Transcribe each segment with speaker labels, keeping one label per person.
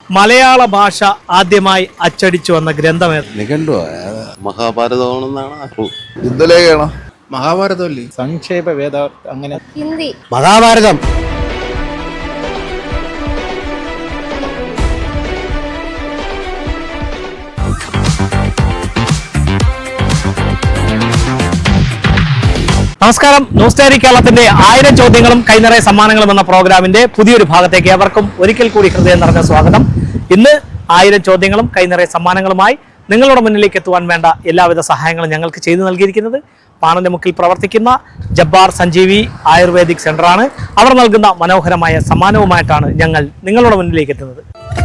Speaker 1: മലയാള ഭാഷ ആദ്യമായി അച്ചടിച്ചു വന്ന ഗ്രന്ഥം ഏത്?
Speaker 2: നിഘണ്ടുവാ മഹാഭാരതമാണെന്നാണ്
Speaker 3: യുദ്ധലേഖയാണോ?
Speaker 4: മഹാഭാരതമല്ലേ? സംക്ഷേപ വേദ അങ്ങനെ
Speaker 5: ഹിന്ദി.
Speaker 2: മഹാഭാരതം.
Speaker 1: നമസ്കാരം. ന്യൂസ് ഡയറി കേരളത്തിന്റെ 1000 ചോദ്യങ്ങളും കൈനിറയ സമ്മാനങ്ങളും എന്ന പ്രോഗ്രാമിന്റെ പുതിയൊരു ഭാഗത്തേക്ക് ഏവർക്കും ഒരിക്കൽ കൂടി ഹൃദയം നിറഞ്ഞ സ്വാഗതം. ഇന്ന് 1000 ചോദ്യങ്ങളും കൈനിറയ സമ്മാനങ്ങളുമായി നിങ്ങളുടെ മുന്നിലേക്ക് എത്തുവാൻ വേണ്ട എല്ലാവിധ സഹായങ്ങളും ഞങ്ങൾക്ക് ചെയ്തു നൽകിയിരിക്കുന്നത് പാണന്റെ മുക്കിൽ പ്രവർത്തിക്കുന്ന ജബ്ബാർ സഞ്ജീവി ആയുർവേദിക് സെന്ററാണ്. അവർ നൽകുന്ന മനോഹരമായ സമ്മാനവുമായിട്ടാണ് ഞങ്ങൾ നിങ്ങളുടെ മുന്നിലേക്ക് എത്തുന്നത്.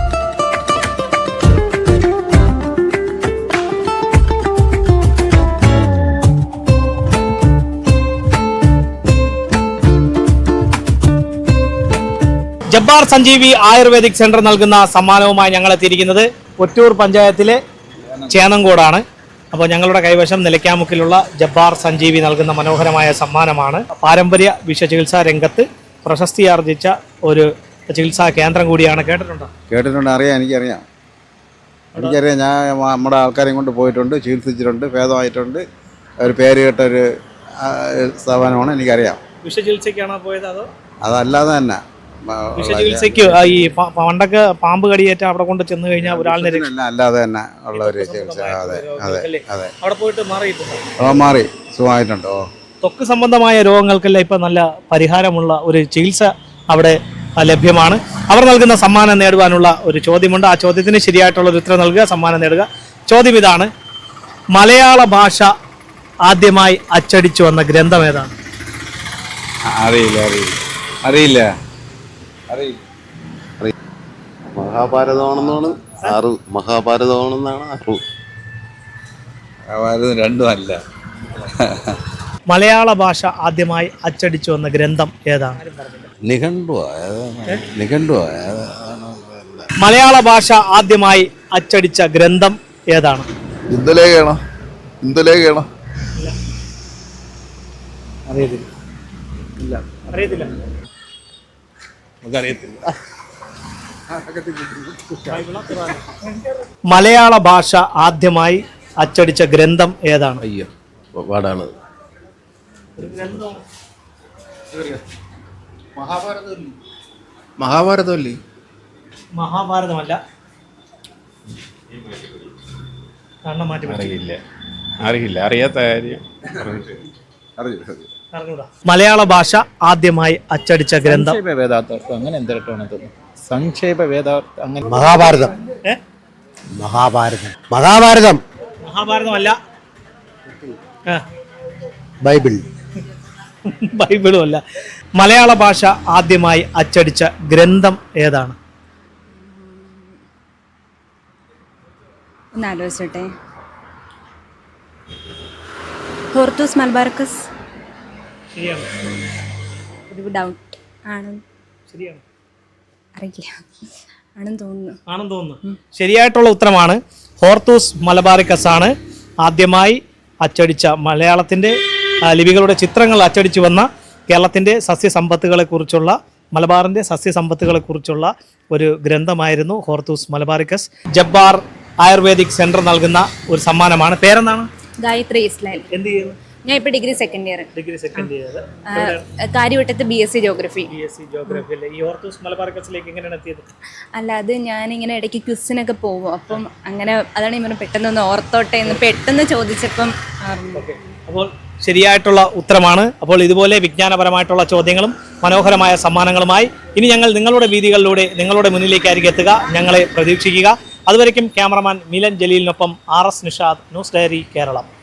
Speaker 1: ജബ്ബാർ സഞ്ജീവി ആയുർവേദിക് സെന്റർ നൽകുന്ന സമ്മാനവുമായി ഞങ്ങൾ എത്തിയിരിക്കുന്നത് ഒറ്റൂർ പഞ്ചായത്തിലെ ചേന്നങ്കോടാണ്. അപ്പോൾ ഞങ്ങളുടെ കൈവശം നിലയ്ക്കാമുക്കിലുള്ള ജബ്ബാർ സഞ്ജീവി നൽകുന്ന മനോഹരമായ സമ്മാനമാണ്. പാരമ്പര്യ വിഷചികിത്സാ രംഗത്ത് പ്രശസ്തി ആർജിച്ച ഒരു ചികിത്സാ കേന്ദ്രം കൂടിയാണ്.
Speaker 3: കേട്ടിട്ടുണ്ട്, എനിക്കറിയാം. ഞാൻ നമ്മുടെ ആൾക്കാരെയും കൊണ്ട് പോയിട്ടുണ്ട്, ചികിത്സിച്ചിട്ടുണ്ട്, ഭേദമായിട്ടുണ്ട്. ഒരു പേര് കേട്ട ഒരു സ്ഥാപനമാണ്, എനിക്കറിയാം.
Speaker 1: വിഷചികിത്സയ്ക്കാണോ പോയത് അതോ
Speaker 3: അതല്ലാതെ തന്നെ
Speaker 1: വിഷചികിത്സയ്ക്ക് ഈ പണ്ടൊക്കെ പാമ്പ് കടിയേറ്റ അവിടെ കൊണ്ട് ചെന്ന് കഴിഞ്ഞാൽ ഒരാളിനെ
Speaker 3: അല്ലാതെ തന്നെ ഉള്ള ഒരു ചികിത്സ? അതെ അതെ അതെ.
Speaker 1: അവിടെ പോയിട്ട് മാറിയിട്ടുണ്ട്?
Speaker 3: മാറി, സുഖമായിട്ടുണ്ട്.
Speaker 1: ത്വക്ക് സംബന്ധമായ രോഗങ്ങൾക്കെല്ലാം ഇപ്പം നല്ല പരിഹാരമുള്ള ഒരു ചികിത്സ അവിടെ ലഭ്യമാണ്. അവർ നൽകുന്ന സമ്മാനം നേടുവാനുള്ള ഒരു ചോദ്യമുണ്ട്. ആ ചോദ്യത്തിന് ശരിയായിട്ടുള്ള ഒരു ഉത്തരം നൽകുക, സമ്മാനം നേടുക. ചോദ്യം ഇതാണ്: മലയാള ഭാഷ ആദ്യമായി അച്ചടിച്ചു വന്ന ഗ്രന്ഥം ഏതാണ്?
Speaker 3: അറിയില്ല.
Speaker 2: മഹാഭാരതമാണെന്നാണ് അറിവ്.
Speaker 3: രണ്ടും അല്ല.
Speaker 1: മലയാള ഭാഷ ആദ്യമായി അച്ചടിച്ചു വന്ന ഗ്രന്ഥം ഏതാണ്?
Speaker 2: നിഘണ്ടുവാ.
Speaker 1: മലയാള ഭാഷ ആദ്യമായി അച്ചടിച്ച ഗ്രന്ഥം ഏതാണ്?
Speaker 3: യുദ്ധലേഖയാണോ?
Speaker 1: അറിയത്തില്ല. മലയാള ഭാഷ ആദ്യമായി അച്ചടിച്ച ഗ്രന്ഥം ഏതാണ്?
Speaker 2: അയ്യോ, പാടാണ്.
Speaker 4: മഹാഭാരതമല്ലേ?
Speaker 1: മഹാഭാരതമല്ല.
Speaker 4: അറിയാത്ത കാര്യം.
Speaker 1: മലയാള ഭാഷ ആദ്യമായി അച്ചടിച്ച ഗ്രന്ഥം
Speaker 4: വേദാർത്ഥം അങ്ങനെ എന്തിട്ടാണ്? സംക്ഷേപ വേദ അങ്ങനെ
Speaker 1: മഹാഭാരതമല്ല.
Speaker 2: ബൈബിളും
Speaker 1: അല്ല. മലയാള ഭാഷ ആദ്യമായി അച്ചടിച്ച ഗ്രന്ഥം ഏതാണ്?
Speaker 5: ഒന്നാലോചിച്ചോട്ടെ. Hortus Malabaricus. ഒരു ഡൗട്ട് ആണ്.
Speaker 1: ശരിയാണ്?
Speaker 5: അറിയില്ല. ആണെന്ന് തോന്നുന്നു.
Speaker 1: ശരിയായിട്ടുള്ള ഉത്തരമാണ്. ഹോർത്തൂസ് മലബാറിക്കസ് ആണ് ആദ്യമായി അച്ചടിച്ച മലയാളത്തിൻ്റെ ലിപികളുടെ ചിത്രങ്ങൾ അച്ചടിച്ചു വന്ന കേരളത്തിൻ്റെ സസ്യസമ്പത്തുകളെക്കുറിച്ചുള്ള, മലബാറിൻ്റെ സസ്യസമ്പത്തുകളെക്കുറിച്ചുള്ള ഒരു ഗ്രന്ഥമായിരുന്നു Hortus Malabaricus. Jabbar ayurvedic centre നൽകുന്ന ഒരു സമ്മാനമാണ്. പേരെന്താണ്?
Speaker 5: ഗായത്രി ഇസ്ലാൽ.
Speaker 1: എന്ത് ചെയ്യുന്നു?
Speaker 5: ഞാൻ ഇപ്പോൾ ഡിഗ്രി സെക്കൻഡ് ഇയർ. കാര്യവട്ടത്ത് BSc ജോഗ്രഫി.
Speaker 1: ഈ ഹോർത്തൂസ് മലബാറിക്കസിലേക്ക് എങ്ങനെയാണ് എത്തിയത്?
Speaker 5: അല്ല, അത് ഞാനിങ്ങനെ ഇടയ്ക്ക് ക്വിസിനൊക്കെ പോകും. അപ്പം അങ്ങനെ അതാണ് ഇങ്ങനെ പെട്ടെന്നൊന്ന് ഓർത്തോട്ടെ എന്ന് പെട്ടെന്ന് ചോദിച്ചപ്പം.
Speaker 1: അപ്പോൾ ശരിയായിട്ടുള്ള ഉത്തരമാണ്. അപ്പോൾ ഇതുപോലെ വിജ്ഞാനപരമായിട്ടുള്ള ചോദ്യങ്ങളും മനോഹരമായ സമ്മാനങ്ങളുമായി ഇനി ഞങ്ങൾ നിങ്ങളുടെ വീതികളിലൂടെ നിങ്ങളുടെ മുന്നിലേക്കായിരിക്കും എത്തുക. ഞങ്ങളെ പ്രതീക്ഷിക്കുക. അതുവരയ്ക്കും ക്യാമറമാൻ മിലൻ ജലീലിനൊപ്പം RS Nishad, news diary Keralam.